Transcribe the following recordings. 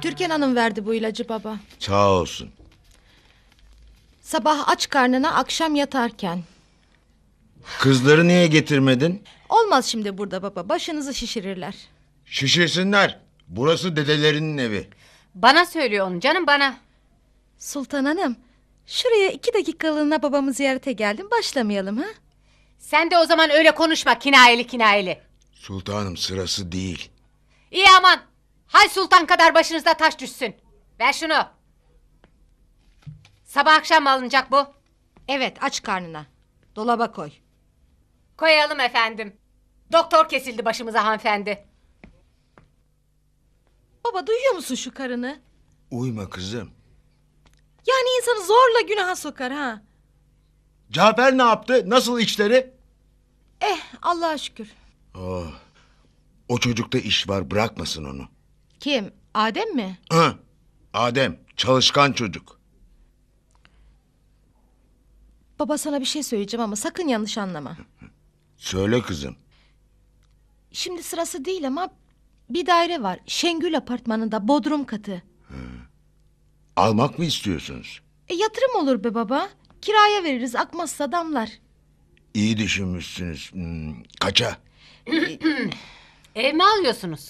Türkan Hanım verdi bu ilacı baba. Sağ olsun. Sabah aç karnına, akşam yatarken. Kızları niye getirmedin? Olmaz şimdi burada baba, başınızı şişirirler. Şişirsinler. Burası dedelerinin evi. Bana söylüyor onu canım, bana. Sultan Hanım, şuraya 2 dakikalığına babamı ziyarete geldim, başlamayalım ha? Sen de o zaman öyle konuşma, kinayeli kinayeli. Sultanım, sırası değil. İyi aman. Hay sultan kadar başınızda taş düşsün. Ver şunu. Sabah akşam mı alınacak bu? Evet, aç karnına. Dolaba koy. Koyalım efendim. Doktor kesildi başımıza hanımefendi. Baba, duyuyor musun şu karını? Uyma kızım. Yani insanı zorla günaha sokar ha. Cafer ne yaptı? Nasıl işleri? Allah'a şükür. Oh. O çocukta iş var, bırakmasın onu. Kim? Adem mi? Hı. Adem, çalışkan çocuk. Baba, sana bir şey söyleyeceğim ama sakın yanlış anlama. Söyle kızım. Şimdi sırası değil ama bir daire var. Şengül apartmanında, bodrum katı. Almak mı istiyorsunuz? Yatırım olur be baba. Kiraya veririz, akmazsa damlar. İyi düşünmüşsünüz. Kaça? Ev mi alıyorsunuz?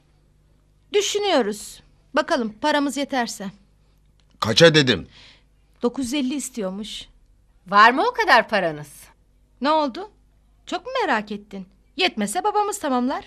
Düşünüyoruz. Bakalım paramız yeterse. Kaça dedim. 950 istiyormuş. Var mı o kadar paranız? Ne oldu? Çok mu merak ettin? Yetmese babamız tamamlar.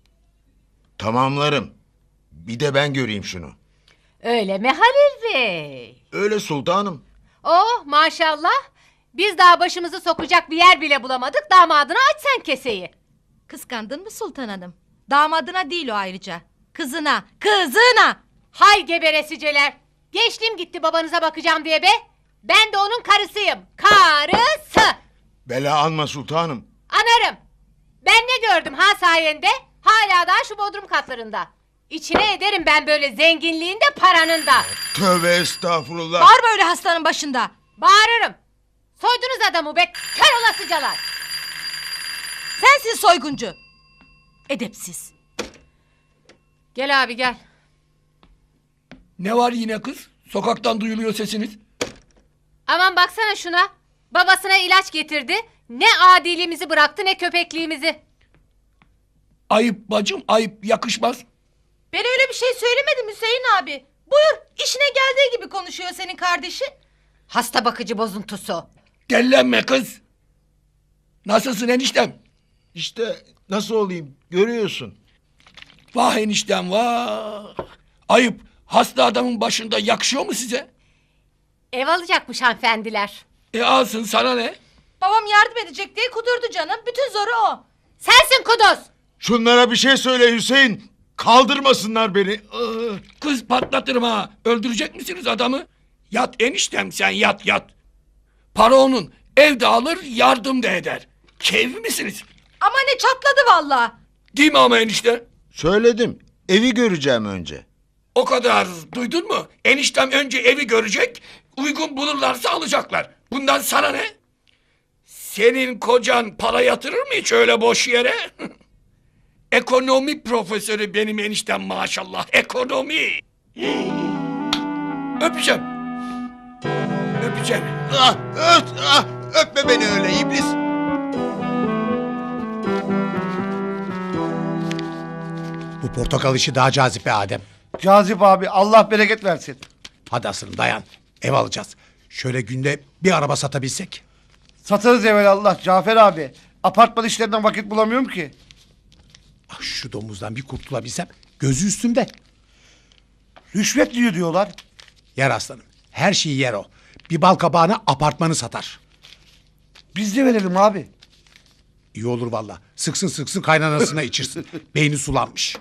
Tamamlarım. Bir de ben göreyim şunu. Öyle mi Halil Bey? Öyle sultanım. Oh maşallah. Biz daha başımızı sokacak bir yer bile bulamadık. Damadına aç sen keseyi. Kıskandın mı Sultan Hanım? Damadına değil o ayrıca. Kızına, kızına! Hay geberesiceler. Geçtim gitti babanıza bakacağım diye be. Ben de onun karısıyım. Karısı. Bela alma sultanım. Anarım. Ben ne gördüm ha sayende? Hala daha şu bodrum katlarında. İçine ederim ben böyle zenginliğin de paranın da. Tövbe estağfurullah. Bağırma öyle hastanın başında. Bağırırım. Soydunuz adamı be kör olasıcalar. Sensin soyguncu. Edepsiz. Gel abi gel. Ne var yine kız? Sokaktan duyuluyor sesiniz. Aman baksana şuna. Babasına ilaç getirdi. Ne adiliğimizi bıraktı ne köpekliğimizi. Ayıp bacım, ayıp, yakışmaz. Ben öyle bir şey söylemedim Hüseyin abi. Buyur, işine geldiği gibi konuşuyor senin kardeşin. Hasta bakıcı bozuntusu. Dellenme kız. Nasılsın eniştem? İşte nasıl olayım görüyorsun. Vah eniştem vah. Ayıp, hasta adamın başında yakışıyor mu size? Ev alacakmış hanımefendiler. Alsın, sana ne? Babam yardım edecek diye kudurdu canım. Bütün zoru o. Sensin kuduz. Şunlara bir şey söyle Hüseyin. Kaldırmasınlar beni. Kız patlatırım ha. Öldürecek misiniz adamı? Yat eniştem sen, yat yat. Para onun. Ev de alır, yardım da eder. Keyif misiniz? Ama ne çatladı vallahi. Değil mi ama enişte? Söyledim. Evi göreceğim önce. O kadar, duydun mu? Eniştem önce evi görecek, uygun bulurlarsa alacaklar. Bundan sana ne? Senin kocan para yatırır mı hiç öyle boş yere? Ekonomi profesörü benim eniştem maşallah, ekonomi. Öpeceğim. Öpeceğim. Öpme beni öyle iblis. Bu portakal işi daha cazip be Adem. Cazip abi, Allah bereket versin. Hadi aslanım dayan. Ev alacağız. Şöyle günde bir araba satabilsek. Satarız evvelallah Cafer abi. Apartman işlerinden vakit bulamıyorum ki. Ah, şu domuzdan bir kurtulabilsem. Gözü üstümde. Rüşvet diyor diyorlar. Yer aslanım. Her şeyi yer o. Bir bal kabağına apartmanı satar. Biz de verelim abi. İyi olur valla. Sıksın sıksın kaynanasına içirsin. Beyni sulanmış.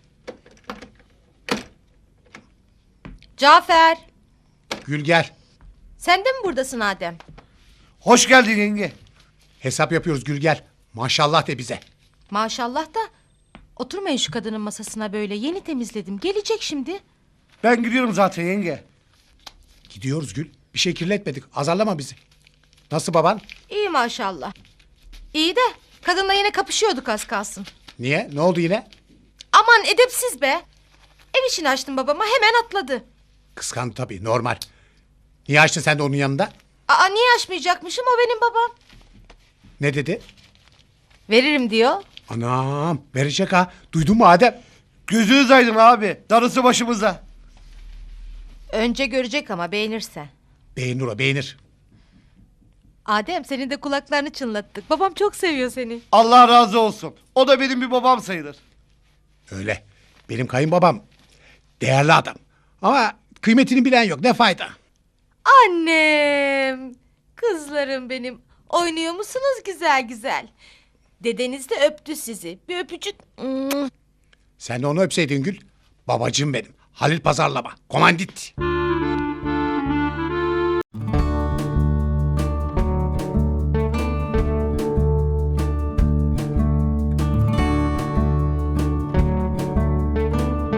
Cafer, Gül gel. sen de mi buradasın Adem? Hoş geldin yenge. Hesap yapıyoruz Gül gel. Maşallah de bize. Maşallah da oturmayın şu kadının masasına böyle. Yeni temizledim. Gelecek şimdi. Ben gidiyorum zaten yenge. Gidiyoruz Gül. Bir şey kirletmedik. Azarlama bizi. Nasıl baban? İyi maşallah. İyi de kadınla yine kapışıyorduk az kalsın. Niye? Ne oldu yine? Aman edepsiz be. Ev işini açtım babama, hemen atladı. Kıskandı tabii, normal. Niye açtın sen de onun yanında? Aa, niye açmayacakmışım, o benim babam. Ne dedi? Veririm diyor. Anam, verecek ha. Duydun mu Adem? Gözünüz aydın abi. Darısı başımıza. Önce görecek ama beğenirse. Beğenir o, beğenir. Adem, senin de kulaklarını çınlattık. Babam çok seviyor seni. Allah razı olsun. O da benim bir babam sayılır. Öyle. Benim kayınbabam değerli adam. Ama kıymetini bilen yok. Ne fayda? Annem, kızlarım benim. Oynuyor musunuz güzel güzel? Dedeniz de öptü sizi. Bir öpücük. Sen de onu öpseydin Gül. Babacığım benim. Halil Pazarlama. Komandit.